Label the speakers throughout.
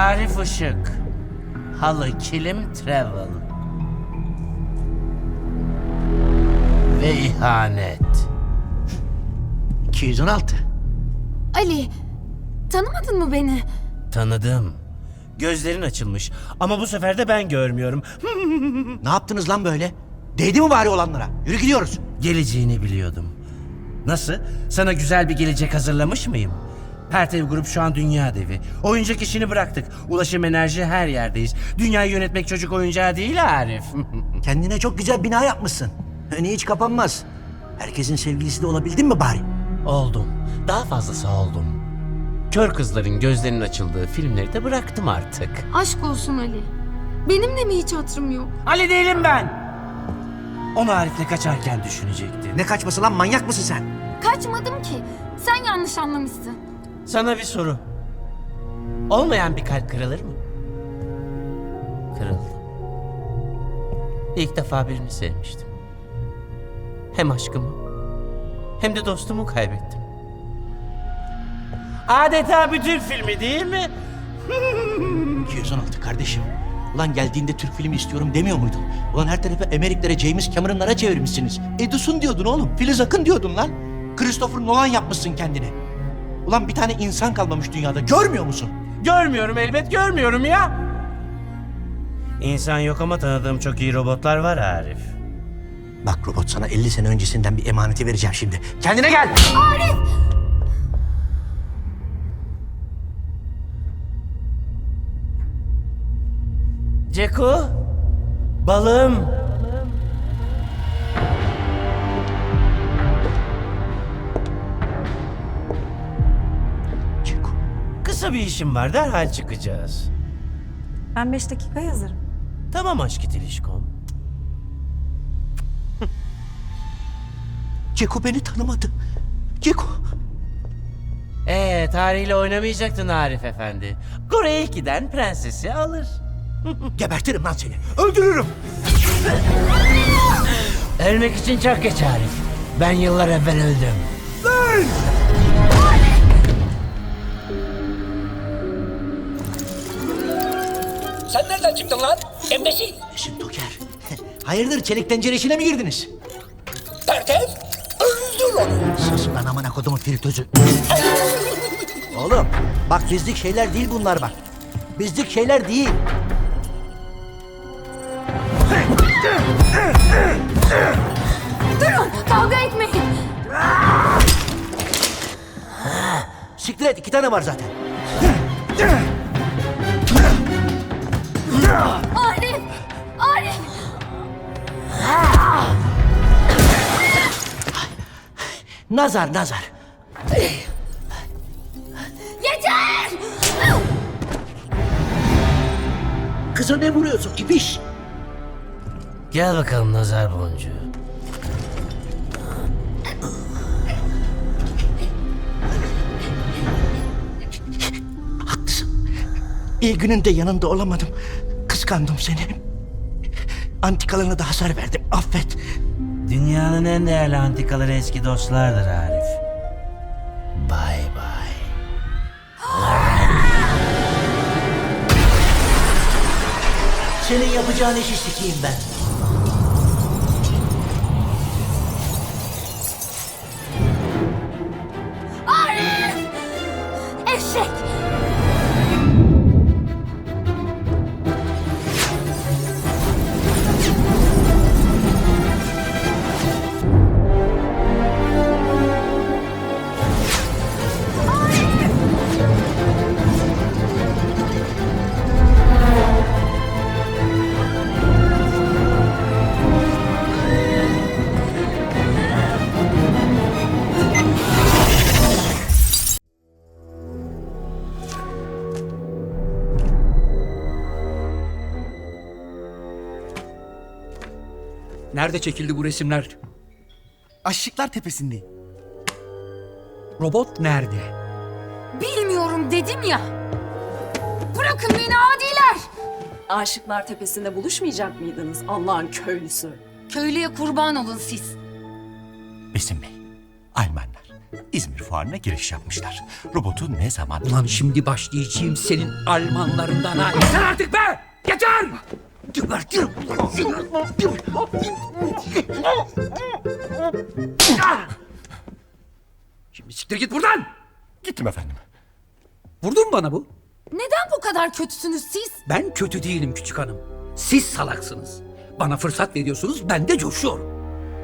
Speaker 1: Arif Işık. Halı Kilim Travel. Ve ihanet.
Speaker 2: 216.
Speaker 3: Ali, tanımadın mı beni?
Speaker 1: Tanıdım. Gözlerin açılmış ama bu sefer de ben görmüyorum.
Speaker 2: Ne yaptınız lan böyle? Değdi mi bari olanlara? Yürü gidiyoruz.
Speaker 1: Geleceğini biliyordum. Nasıl? Sana güzel bir gelecek hazırlamış mıyım? Pertev Grup şu an dünya devi. Oyuncak işini bıraktık. Ulaşım, enerji, her yerdeyiz. Dünyayı yönetmek çocuk oyuncağı değil Arif.
Speaker 2: Kendine çok güzel bina yapmışsın. Önü hiç kapanmaz. Herkesin sevgilisi de olabildin mi bari?
Speaker 1: Oldum. Daha fazlası oldum. Kör kızların gözlerinin açıldığı filmleri de bıraktım artık.
Speaker 3: Aşk olsun Ali. Benim de mi hiç hatırım yok?
Speaker 1: Ali değilim ben. Onu Arif'le kaçarken düşünecektin.
Speaker 2: Ne kaçması lan, manyak mısın sen?
Speaker 3: Kaçmadım ki. Sen yanlış anlamışsın.
Speaker 1: Sana bir soru. Olmayan bir kalp kırılır mı? Kırıldı. İlk defa birini sevmiştim. Hem aşkımı hem de dostumu kaybettim. Adeta bir Türk filmi değil mi?
Speaker 2: 216 kardeşim. Ulan geldiğinde Türk filmi istiyorum demiyor muydun? Ulan her tarafı Ameriklere, James Cameron'lara çevirmişsiniz. Edison diyordun oğlum. Filiz Akın diyordun lan. Christopher Nolan yapmışsın kendini. Ulan bir tane insan kalmamış dünyada. Görmüyor musun?
Speaker 1: Görmüyorum, elbet görmüyorum ya. İnsan yok ama tanıdığım çok iyi robotlar var Arif.
Speaker 2: Bak robot, sana 50 sene öncesinden bir emaneti vereceğim şimdi. Kendine gel.
Speaker 1: Ceko, balım.
Speaker 2: Ceko.
Speaker 1: Kısa bir işim var, derhal çıkacağız.
Speaker 4: Ben 5 dakika hazırım.
Speaker 1: Tamam aşk itilişkom.
Speaker 2: Ceko beni tanımadı. Ceko.
Speaker 1: Tarihiyle oynamayacaktın Arif Efendi. Kore'ye ilk giden prensesi alır.
Speaker 2: Gebertirim lan seni. Öldürürüm.
Speaker 1: Ölmek için çok geç Arif. Ben yıllar evvel öldüm.
Speaker 5: Sen nereden çıktın lan? Embesil.
Speaker 2: Eşim Toker. Hayırdır, çelik tencere işine mi girdiniz?
Speaker 5: Pertev. Öldür onu.
Speaker 2: Sus lan amına kodumun filtözü. Oğlum bak, bizlik şeyler değil bunlar bak. Bizlik şeyler değil.
Speaker 3: Durun, kavga etmeyin.
Speaker 2: Siktir et, 2 tane var zaten.
Speaker 3: Arif! Arif!
Speaker 2: Nazar nazar.
Speaker 3: Yeter!
Speaker 2: Kıza ne vuruyorsun ibiş?
Speaker 1: Gel bakalım nazar boncuğu.
Speaker 2: Haklısın. İyi gününde yanında olamadım. Kıskandım seni. Antikalarına da hasar verdim. Affet.
Speaker 1: Dünyanın en değerli antikaları eski dostlardır Arif. Bay bay.
Speaker 2: Senin yapacağın işi sikeyim ben.
Speaker 3: Arif! Eşek!
Speaker 6: Nerede çekildi bu resimler? Aşıklar Tepesi'ndeyim. Robot nerede?
Speaker 3: Bilmiyorum dedim ya. Bırakın beni adiler.
Speaker 4: Aşıklar Tepesi'nde buluşmayacak mıydınız Allah'ın köylüsü?
Speaker 3: Köylüye kurban olun siz.
Speaker 2: Besim Bey, Almanlar.
Speaker 7: İzmir Fuarı'na giriş yapmışlar. Robotu ne zaman...
Speaker 5: Ulan şimdi başlayacağım senin Almanlarından ha. Yeter artık be! Yeter! Gebertirim. Şimdi siktir git buradan!
Speaker 7: Gittim efendim.
Speaker 5: Vurdun mu bana bu?
Speaker 3: Neden bu kadar kötüsünüz siz?
Speaker 5: Ben kötü değilim küçük hanım. Siz salaksınız. Bana fırsat veriyorsunuz, ben de coşuyorum.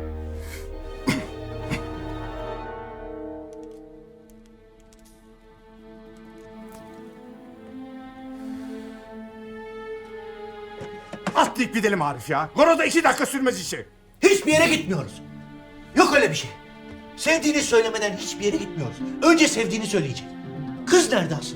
Speaker 8: Atlayıp gidelim Arif ya. Goro'da 2 dakika sürmez işi.
Speaker 2: Hiçbir yere gitmiyoruz. Yok öyle bir şey. Sevdiğini söylemeden hiçbir yere gitmiyoruz. Önce sevdiğini söyleyecek. Kız nerede asıl?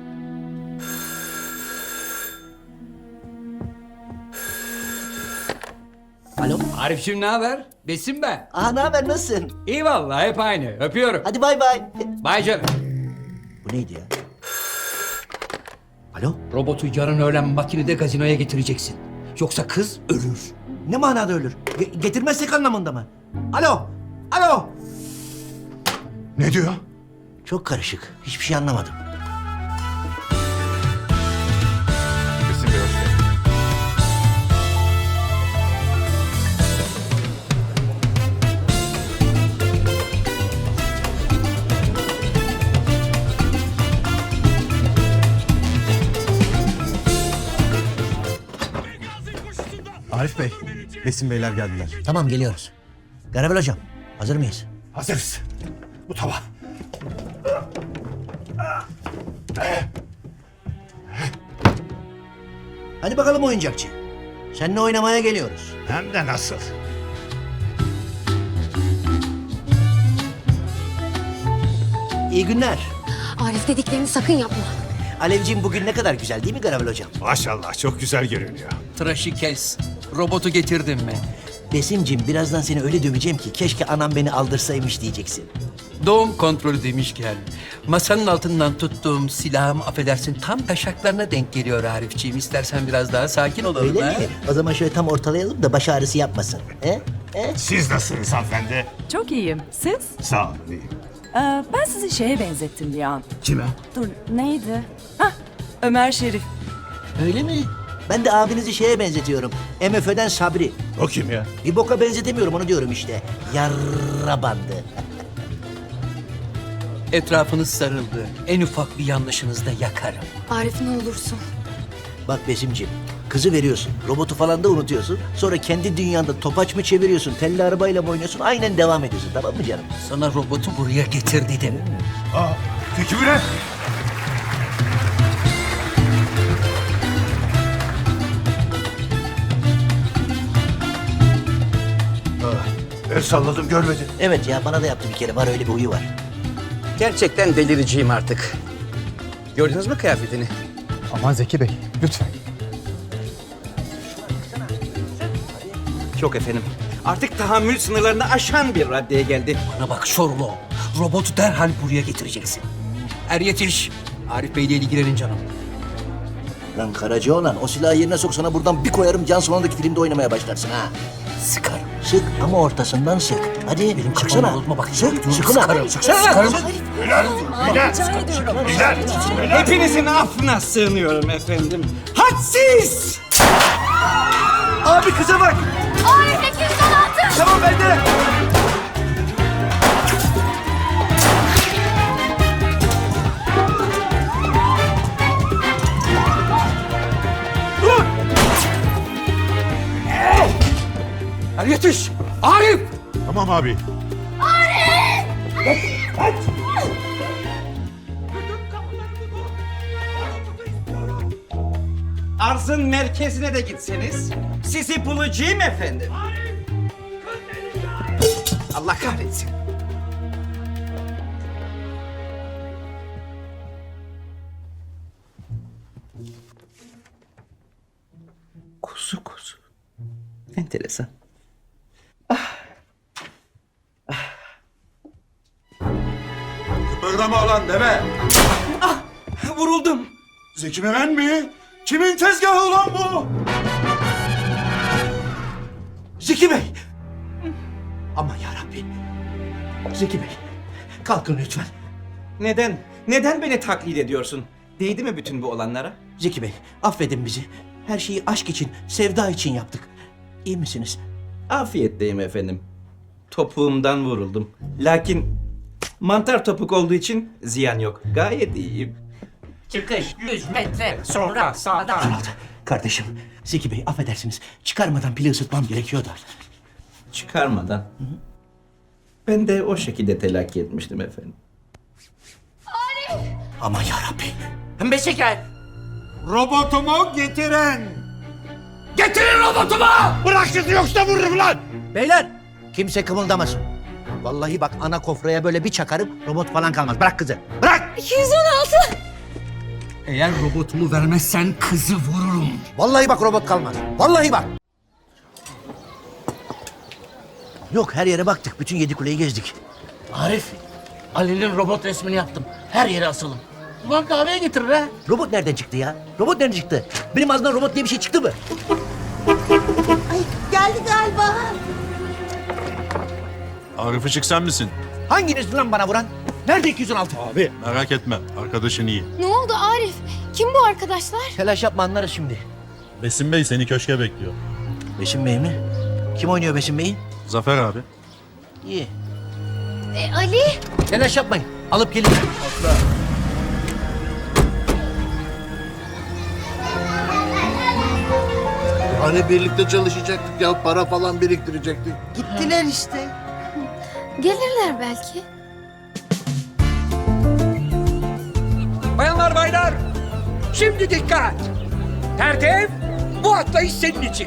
Speaker 2: Alo?
Speaker 5: Arif'cim ne haber? Besim ben.
Speaker 2: Aa, ne haber, nasılsın?
Speaker 5: İyi vallahi hep aynı. Öpüyorum.
Speaker 2: Hadi bay bay.
Speaker 5: Bay canım.
Speaker 2: Bu neydi ya? Alo?
Speaker 5: Robotu yarın öğlen makinede gazinoya getireceksin. Yoksa kız ölür.
Speaker 2: Ne manada ölür? Getirmezsek anlamında mı? Alo? Alo?
Speaker 8: Ne diyor?
Speaker 2: Çok karışık. Hiçbir şey anlamadım.
Speaker 8: Besim Bey hoş geldin.
Speaker 9: Arif Bey, Besim Beyler geldiler.
Speaker 2: Tamam, geliyoruz. Garabel hocam, hazır mıyız?
Speaker 8: Hazırız. Bu tamam.
Speaker 2: Hadi bakalım oyuncakçı. Seninle oynamaya geliyoruz.
Speaker 8: Hem de nasıl?
Speaker 2: İyi günler.
Speaker 3: Arif dediklerini sakın yapma.
Speaker 2: Alevciğim, bugün ne kadar güzel değil mi Garabel hocam?
Speaker 8: Maşallah çok güzel görünüyor.
Speaker 5: Tıraşı kes. Robotu getirdin mi?
Speaker 2: Besimciğim, birazdan seni öyle döveceğim ki keşke anam beni aldırsaymış diyeceksin.
Speaker 5: Doğum kontrolü demişken masanın altından tuttuğum silahım affedersin tam taşaklarına denk geliyor Arifciğim. İstersen biraz daha sakin olalım.
Speaker 2: Öyle
Speaker 5: ha?
Speaker 2: mi? O zaman şöyle tam ortalayalım da baş ağrısı yapmasın. He?
Speaker 8: Siz nasılsınız hanımefendi?
Speaker 4: Çok iyiyim. Siz?
Speaker 8: Sağ olun iyiyim.
Speaker 4: Ben sizi şeye benzettim bir an.
Speaker 5: Kime?
Speaker 4: Dur neydi? Hah Ömer Şerif.
Speaker 2: Öyle mi? Ben de abinizi şeye benzetiyorum. MFÖ'den Sabri.
Speaker 8: O kim ya?
Speaker 2: Bir boka benzetemiyorum, onu diyorum işte. Yarra bandı.
Speaker 5: Etrafınız sarıldı. En ufak bir yanlışınızda yakarım.
Speaker 3: Arif ne olursun.
Speaker 2: Bak Besimciğim, kızı veriyorsun, robotu falan da unutuyorsun. Sonra kendi dünyanda topaç mı çeviriyorsun, telli arabayla mı oynuyorsun, aynen devam ediyorsun, tamam mı canım?
Speaker 5: Sana robotu buraya getir dedim.
Speaker 8: Aa, peki bu ne? El salladım görmedin.
Speaker 2: Evet ya, bana da yaptı bir kere, var öyle bir huyu var.
Speaker 1: Gerçekten delireceğim artık. Gördünüz mü kıyafetini?
Speaker 9: Aman Zeki Bey, lütfen.
Speaker 6: Çok efendim. Artık tahammül sınırlarını aşan bir raddeye geldi.
Speaker 5: Bana bak Şorlo. Robotu derhal buraya getireceksin. Er yetiş. Arif Bey'le ilgilenin canım.
Speaker 2: Lan Karacaoğlan, o silahı yerine sok, sana buradan bir koyarım, Can Sonundaki filmde oynamaya başlarsın ha.
Speaker 5: Sıkarım.
Speaker 2: Sık ama ortasından sık. Hadi
Speaker 5: Benim
Speaker 2: sıksana.
Speaker 5: kafamı bozma bak.
Speaker 2: Sık, sıkına.
Speaker 5: Sıkarım.
Speaker 2: Sıksana.
Speaker 5: Sıkarım.
Speaker 4: Rica ediyorum.
Speaker 6: Hepinizin affına sığınıyorum efendim. Hadsiz! Abi kıza bak!
Speaker 3: Arif 216!
Speaker 6: Tamam bende!
Speaker 5: Er yetiş. Arif.
Speaker 8: Tamam abi.
Speaker 6: Arzın merkezine de gitseniz sizi bulacağım efendim. Allah kahretsin. Kuzu kuzu. Enteresan.
Speaker 8: Kıpırdama olan deme.
Speaker 6: Vuruldum.
Speaker 8: Zeki Müren mi? Kimin tezgahı ulan bu?
Speaker 2: Zeki Bey. Aman yarabbi. Zeki Bey. Kalkın lütfen.
Speaker 6: Neden? Neden beni taklit ediyorsun? Değdi mi bütün bu olanlara?
Speaker 2: Zeki Bey, affedin bizi. Her şeyi aşk için, sevda için yaptık. İyi misiniz?
Speaker 6: Afiyetteyim efendim. Topuğumdan vuruldum. Lakin mantar topuk olduğu için ziyan yok. Gayet iyiyim.
Speaker 1: Çıkış 100 metre sonra sağdan.
Speaker 2: Kardeşim, Zeki Bey affedersiniz. Çıkarmadan pili ısıtmam gerekiyor da.
Speaker 6: Çıkarmadan. Ben de o şekilde telakki etmiştim efendim.
Speaker 2: Aman yarabbi.
Speaker 1: Pembe şeker.
Speaker 8: Robotumu getiren.
Speaker 1: Getirin robotumu!
Speaker 8: Bırak sizi yoksa vururum lan.
Speaker 2: Beyler, kimse kımıldamasın. Vallahi bak ana kofraya böyle bir çakarım, robot falan kalmaz. Bırak kızı, bırak!
Speaker 3: 216.
Speaker 8: Eğer robotumu vermezsen kızı vururum.
Speaker 2: Vallahi bak robot kalmaz. Vallahi bak. Yok, her yere baktık. Bütün 7 kuleyi gezdik.
Speaker 1: Arif, Ali'nin robot resmini yaptım. Her yere asalım. Ulan kahveye getirir ha.
Speaker 2: Robot nereden çıktı ya? Robot nereden çıktı? Benim ağzımdan robot diye bir şey çıktı mı?
Speaker 10: Geldi galiba.
Speaker 8: Arif Işık sen misin?
Speaker 2: Hanginiz lan bana vuran? Nerede 216?
Speaker 8: Abi. Merak etme. Arkadaşın iyi.
Speaker 3: Ne oldu Arif? Kim bu arkadaşlar?
Speaker 2: Telaş yapma, anlarız şimdi.
Speaker 8: Besim Bey seni köşke bekliyor.
Speaker 2: Besim Bey mi? Kim oynuyor Besim Bey'i?
Speaker 8: Zafer abi.
Speaker 2: İyi.
Speaker 3: Ali?
Speaker 2: Telaş yapmayın. Alıp gelin.
Speaker 11: Hani birlikte çalışacaktık ya, para falan biriktirecektik.
Speaker 10: Gittiler işte.
Speaker 3: Gelirler belki.
Speaker 5: Bayanlar baylar, şimdi dikkat. Tertip, bu atlayış senin için.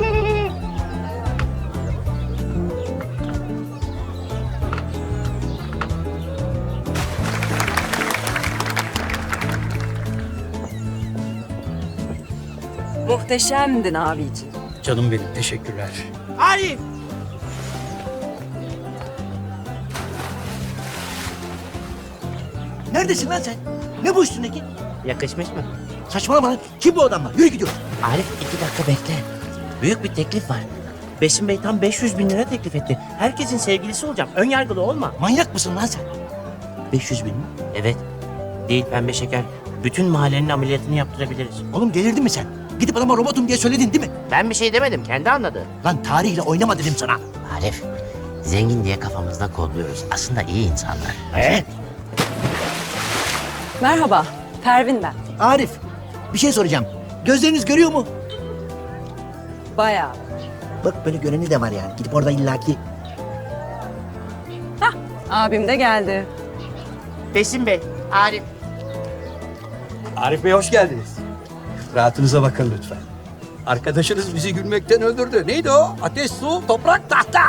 Speaker 4: Muhteşemdin abiciğim.
Speaker 5: Canım benim, teşekkürler.
Speaker 2: Arif! Neredesin lan sen? Ne bu üstündeki?
Speaker 1: Yakışmış mı?
Speaker 2: Saçmalama lan. Kim bu adamlar? Yürü gidiyoruz.
Speaker 1: Arif 2 dakika bekle. Büyük bir teklif var. Besim Bey tam 500 bin lira teklif etti. Herkesin sevgilisi olacağım. Ön yargılı olma.
Speaker 2: Manyak mısın lan sen? 500 bin mi?
Speaker 1: Evet. Değil pembe şeker. Bütün mahallenin ameliyatını yaptırabiliriz.
Speaker 2: Oğlum delirdin mi sen? Gidip adama robotum diye söyledin değil mi?
Speaker 1: Ben bir şey demedim. Kendi anladı.
Speaker 2: Lan tarihle oynama dedim sana.
Speaker 1: Arif, zengin diye kafamızda kodluyoruz. Aslında iyi insanlar.
Speaker 2: Evet.
Speaker 4: Merhaba, Pervin ben.
Speaker 2: Arif, bir şey soracağım. Gözleriniz görüyor mu?
Speaker 4: Bayağı.
Speaker 2: Bak böyle göreni de var yani. Gidip orada illaki...
Speaker 4: Abim de geldi.
Speaker 1: Besim Bey, Arif.
Speaker 5: Arif Bey hoş geldiniz. Rahatınıza bakın lütfen. Arkadaşınız bizi gülmekten öldürdü. Neydi o? Ateş, su, toprak, tahta.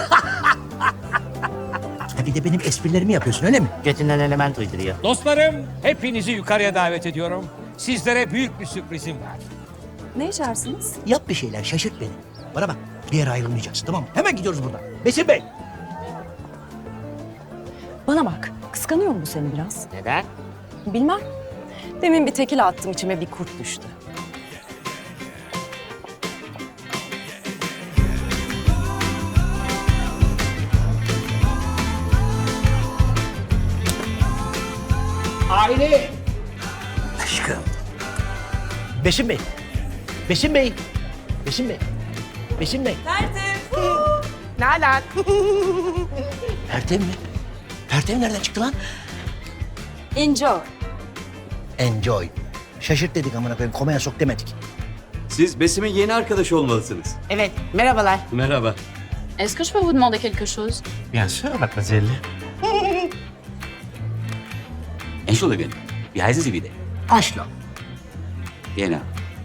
Speaker 2: Ha bir de benim esprilerimi yapıyorsun öyle mi?
Speaker 1: Götünden element uyduruyor.
Speaker 12: Dostlarım, hepinizi yukarıya davet ediyorum. Sizlere büyük bir sürprizim var.
Speaker 4: Ne içersiniz?
Speaker 2: Yap bir şeyler, şaşırt beni. Bana bak, bir yere ayrılmayacaksın tamam mı? Hemen gidiyoruz buradan. Besim Bey!
Speaker 4: Bana bak, kıskanıyor mu bu seni biraz?
Speaker 1: Neden?
Speaker 4: Bilmem. Demin bir tekil attım, içime bir kurt düştü.
Speaker 5: Aile.
Speaker 2: Aşkım. Besim Bey! Besim Bey! Besim Bey! Besim Bey!
Speaker 1: Nalan.
Speaker 2: Pertev mi? Pertev nereden çıktı lan?
Speaker 4: Enjoy.
Speaker 2: Enjoy. Şaşırt dedik amına koyayım, komaya sok demedik.
Speaker 6: Siz Besim'in yeni arkadaşı olmalısınız.
Speaker 1: Evet, merhabalar.
Speaker 6: Merhaba.
Speaker 3: Est-ce que je peux vous demander quelque chose?
Speaker 1: Bien sûr, mademoiselle.
Speaker 6: Entschuldigung, wie heißen Sie wieder?
Speaker 2: Aşla.
Speaker 6: Genau.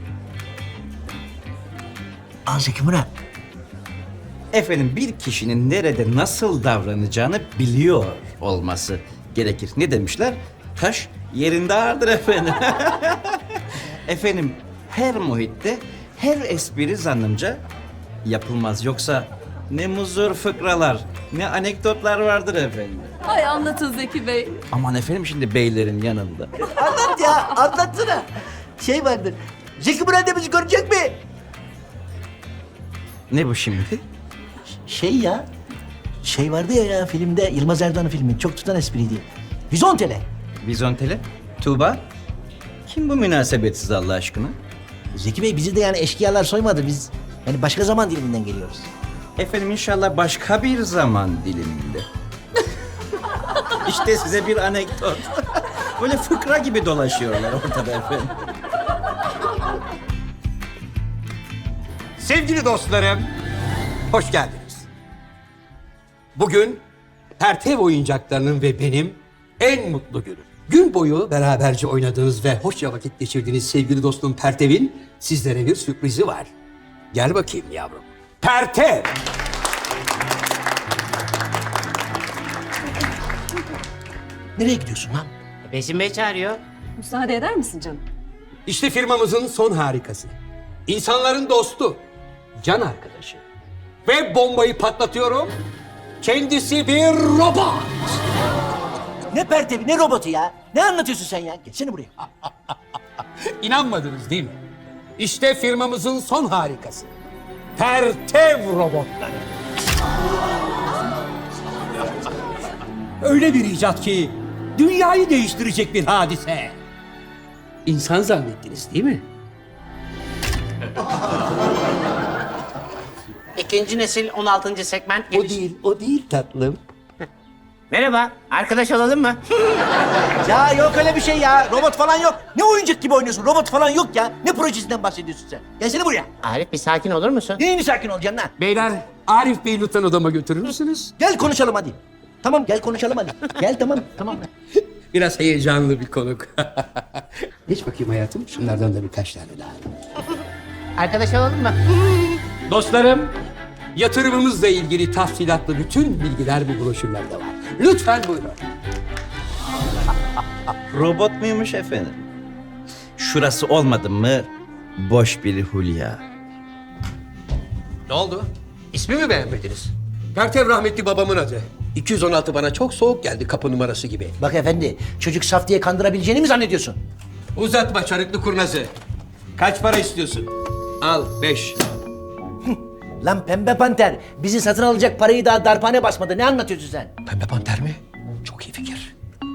Speaker 2: Zeki Murat.
Speaker 6: Efendim bir kişinin nerede nasıl davranacağını biliyor olması gerekir. Ne demişler? Taş yerinde ağırdır efendim. Efendim her muhitte her espri zannımca yapılmaz. Yoksa ne muzur fıkralar, ne anekdotlar vardır efendim.
Speaker 4: Ay anlatın Zeki Bey.
Speaker 6: Aman efendim şimdi beylerin yanında.
Speaker 2: Anlat ya, anlatsana. Şey vardır. Zeki Murat da bizi görecek mi?
Speaker 6: Ne bu şimdi?
Speaker 2: Şey ya. Şey vardı ya filmde, Yılmaz Erdoğan'ın filmi. Çok tutan espriydi. Vizontele.
Speaker 6: Vizontele? Tuğba? Kim bu münasebetsiz Allah aşkına?
Speaker 2: Zeki Bey bizi de yani eşkıyalar soymadı. Biz yani başka zaman diliminden geliyoruz.
Speaker 6: Efendim inşallah başka bir zaman diliminde. İşte size bir anekdot. Böyle fıkra gibi dolaşıyorlar ortada efendim.
Speaker 5: Sevgili dostlarım, hoş geldiniz. Bugün Pertev oyuncaklarının ve benim en mutlu günüm. Gün boyu beraberce oynadığınız ve hoşça vakit geçirdiğiniz sevgili dostum Pertev'in sizlere bir sürprizi var. Gel bakayım yavrum. Pertev!
Speaker 2: Nereye gidiyorsun lan?
Speaker 1: Besim Bey çağırıyor.
Speaker 4: Müsaade eder misin canım?
Speaker 5: İşte firmamızın son harikası. İnsanların dostu, can arkadaşı. Ve bombayı patlatıyorum. Kendisi bir robot.
Speaker 2: Ne pertevi ne robotu ya? Ne anlatıyorsun sen ya? Geçsene buraya.
Speaker 5: İnanmadınız değil mi? İşte firmamızın son harikası. Pertev robotları. Öyle bir icat ki dünyayı değiştirecek bir hadise. İnsan zannettiniz değil mi?
Speaker 1: İkinci nesil 16. segment
Speaker 5: O değil tatlım.
Speaker 1: Merhaba, arkadaş olalım mı?
Speaker 2: Ya yok öyle bir şey ya. Robot falan yok. Ne oyuncak gibi oynuyorsun? Robot falan yok ya. Ne projesinden bahsediyorsun sen? Gelsene buraya.
Speaker 1: Arif bir sakin olur musun?
Speaker 2: Neyini sakin olacaksın lan?
Speaker 5: Beyler, Arif Bey'i lütfen odama götürür müsünüz?
Speaker 2: Gel konuşalım hadi. Tamam gel konuşalım hadi. Gel tamam.
Speaker 5: Biraz heyecanlı bir konuk. Geç bakayım hayatım. Şunlardan da birkaç tane daha.
Speaker 1: Arkadaş olalım mı?
Speaker 5: Dostlarım, yatırımımızla ilgili tafsilatlı bütün bilgiler bu broşürlerde var. Lütfen buyurun.
Speaker 6: Robot muymuş efendim? Şurası olmadı mı boş bir hulya.
Speaker 5: Ne oldu? İsmi mi beğenmediniz? Pertev rahmetli babamın adı. 216 bana çok soğuk geldi kapı numarası gibi.
Speaker 2: Bak efendi çocuk saf diye kandırabileceğini mi zannediyorsun?
Speaker 5: Uzatma çarıklı kurnazı. Kaç para istiyorsun? Al 5.
Speaker 2: Lan pembe panter bizi satın alacak parayı daha darphane basmadı. Ne anlatıyorsun sen?
Speaker 5: Pembe panter mi? Çok iyi fikir.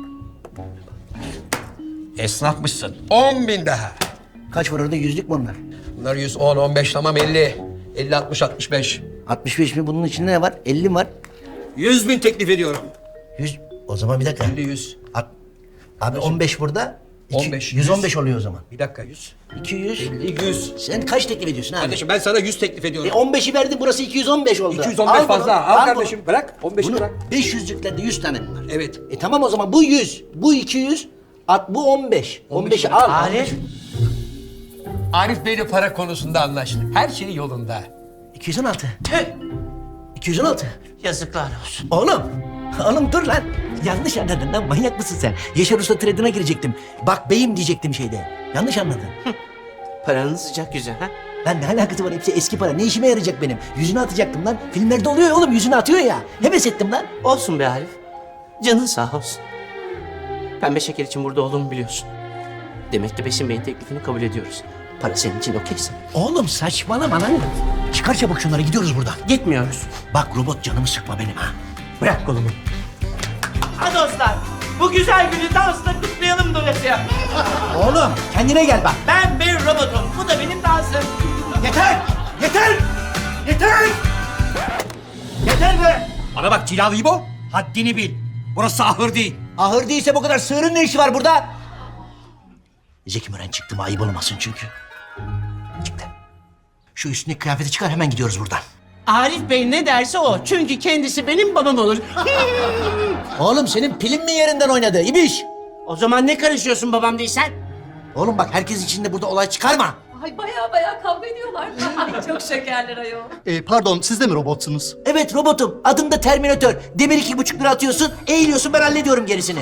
Speaker 5: Esnafmışsın. 10.000 daha.
Speaker 2: Kaç var orada yüzlük mü onlar?
Speaker 5: Bunlar 110, 15 tamam 50. 50, 60, 65.
Speaker 2: 65 mi bunun içinde ne var? 50 mi var?
Speaker 5: 100.000 teklif ediyorum.
Speaker 2: 100. O zaman bir dakika.
Speaker 5: 50, 100.
Speaker 2: Abi 15 burada.
Speaker 5: 15,
Speaker 2: 115 oluyor o zaman.
Speaker 5: Bir dakika 100.
Speaker 2: 200.
Speaker 5: 50, 100.
Speaker 2: Sen kaç teklif ediyorsun abi?
Speaker 5: Kardeşim ben sana 100 teklif ediyorum.
Speaker 2: 15'i verdin burası 215 oldu.
Speaker 5: 215
Speaker 2: Al
Speaker 5: fazla.
Speaker 2: bunu,
Speaker 5: Al
Speaker 2: bunu.
Speaker 5: kardeşim bırak. 15'i
Speaker 2: Bunu
Speaker 5: bırak.
Speaker 2: 500'lüklerde 100 tane mi var?
Speaker 5: Evet.
Speaker 2: Tamam o zaman bu 100, bu 200, bu 15. 15'i al.
Speaker 1: Arif.
Speaker 5: Arif Bey'le para konusunda anlaştık. Her şey yolunda.
Speaker 2: 216. 216.
Speaker 1: Yazıklar olsun.
Speaker 2: Oğlum dur lan. Yanlış anladın lan, manyak mısın sen? Yaşar Usta trade'ine girecektim. Bak beyim diyecektim şeyde. Yanlış anladın.
Speaker 1: Paranın sıcak yüzü ha?
Speaker 2: Lan ne alakası var, hepsi eski para. Ne işime yarayacak benim? Yüzüne atacaktım lan. Filmlerde oluyor ya oğlum, yüzüne atıyor ya. Heves ettim lan.
Speaker 1: Olsun be Arif. Canın sağ olsun. Pembe şeker için burada olduğumu biliyorsun. Demek ki Besim Bey'in teklifini kabul ediyoruz. Para senin için okeyse.
Speaker 2: Oğlum saçmalama lan. Çıkar çabuk şunları, gidiyoruz buradan.
Speaker 1: Gitmiyoruz.
Speaker 2: Bak robot, canımı sıkma benim ha. Bırak kolumu.
Speaker 1: Ha dostlar, bu güzel günü dansla kutlayalım dolayısıyla.
Speaker 2: Oğlum kendine gel bak.
Speaker 1: Ben bir robotum, bu da benim dansım.
Speaker 2: Yeter! Yeter! Yeter! Yeter be!
Speaker 5: Bana bak cilalı İbo. Haddini bil. Burası ahır değil.
Speaker 2: Ahır değilse bu kadar sığırın ne işi var burada? Zeki Müren çıktı mı ayıp olmasın çünkü. Çıktı. Şu üstündeki kıyafeti çıkar, hemen gidiyoruz buradan.
Speaker 1: Arif Bey ne derse o, çünkü kendisi benim babam olur.
Speaker 2: Oğlum senin pilin mi yerinden oynadı İbiş?
Speaker 1: O zaman ne karışıyorsun babam değilsen?
Speaker 2: Oğlum bak herkes içinde burada olay çıkarma.
Speaker 4: Ay baya kavga ediyorlar. Ay çok şekerler ayol.
Speaker 9: Pardon siz de mi robotsunuz?
Speaker 2: Evet robotum, adım da Terminator. Demir 2,5 lira atıyorsun, eğiliyorsun, ben hallediyorum gerisini.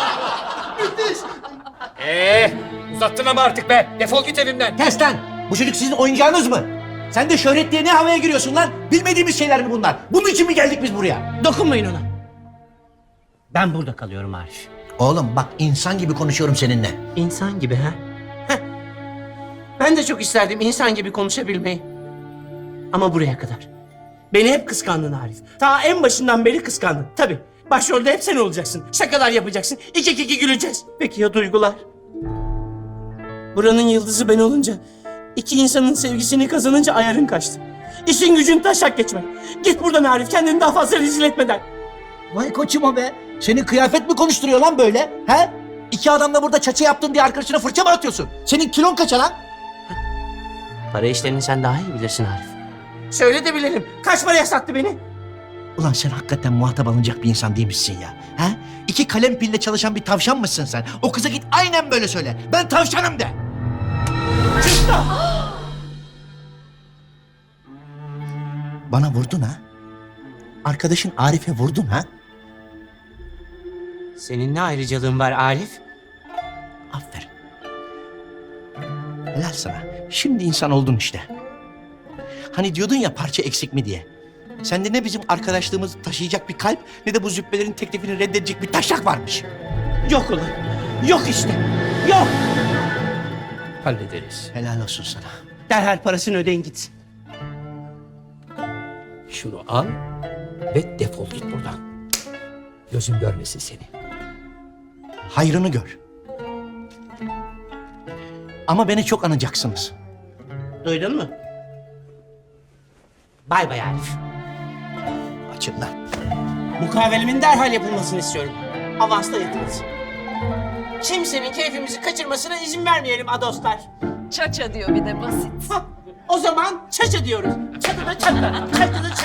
Speaker 5: Uzattın ama artık be. Defol git evimden.
Speaker 2: Kes lan! Bu çocuk sizin oyuncağınız mı? Sen de şöhret diye ne havaya giriyorsun lan? Bilmediğimiz şeyler mi bunlar? Bunun için mi geldik biz buraya?
Speaker 1: Dokunmayın ona. Ben burada kalıyorum Arif.
Speaker 2: Oğlum bak, insan gibi konuşuyorum seninle.
Speaker 1: İnsan gibi ha? Heh. Ben de çok isterdim insan gibi konuşabilmeyi. Ama buraya kadar. Beni hep kıskandın Arif. Ta en başından beri kıskandın. Tabii. Başrolde hep sen olacaksın. Şakalar yapacaksın. İki kiki güleceğiz. Peki ya duygular? Buranın yıldızı ben olunca, iki insanın sevgisini kazanınca ayarın kaçtı. İşin gücün taşak geçmek. Git buradan Arif, kendini daha fazla rezil etmeden.
Speaker 2: Vay koçum o be. Senin kıyafet mi konuşturuyor lan böyle? He? İki adamla burada çaça yaptın diye arkadaşına fırça mı atıyorsun? Senin kilon kaça lan?
Speaker 1: Para işlerini sen daha iyi bilirsin Arif. Söyle de bilelim. Kaç paraya sattı beni?
Speaker 2: Ulan sen hakikaten muhatap alınacak bir insan değil misin ya? He? İki kalem pille çalışan bir tavşan mısın sen? O kıza git aynen böyle söyle. Ben tavşanım de. Bana vurdun ha? Arkadaşın Arif'e vurdun ha?
Speaker 1: Senin ne ayrıcalığın var Arif?
Speaker 2: Aferin. Helal sana. Şimdi insan oldun işte. Hani diyordun ya parça eksik mi diye. Sende ne bizim arkadaşlığımızı taşıyacak bir kalp ne de bu züppelerin teklifini reddedecek bir taşak varmış.
Speaker 1: Yok ulan. Yok işte. Yok.
Speaker 5: Hallederiz.
Speaker 2: Helal olsun sana.
Speaker 1: Derhal parasını ödeyin gitsin.
Speaker 5: Şunu al ve defol git buradan. Gözüm görmesin seni.
Speaker 2: Hayrını gör. Ama beni çok anacaksınız.
Speaker 1: Duydun mu? Bay bay Arif.
Speaker 2: Açın lan.
Speaker 1: Mukavelemin derhal yapılmasını istiyorum. Avansla yatırılsın. Kimsenin keyfimizi kaçırmasına izin vermeyelim adostlar.
Speaker 4: Çaça diyor bir de basit.
Speaker 1: Hah, o zaman çaça diyoruz. Çatıda çatıda, çatıda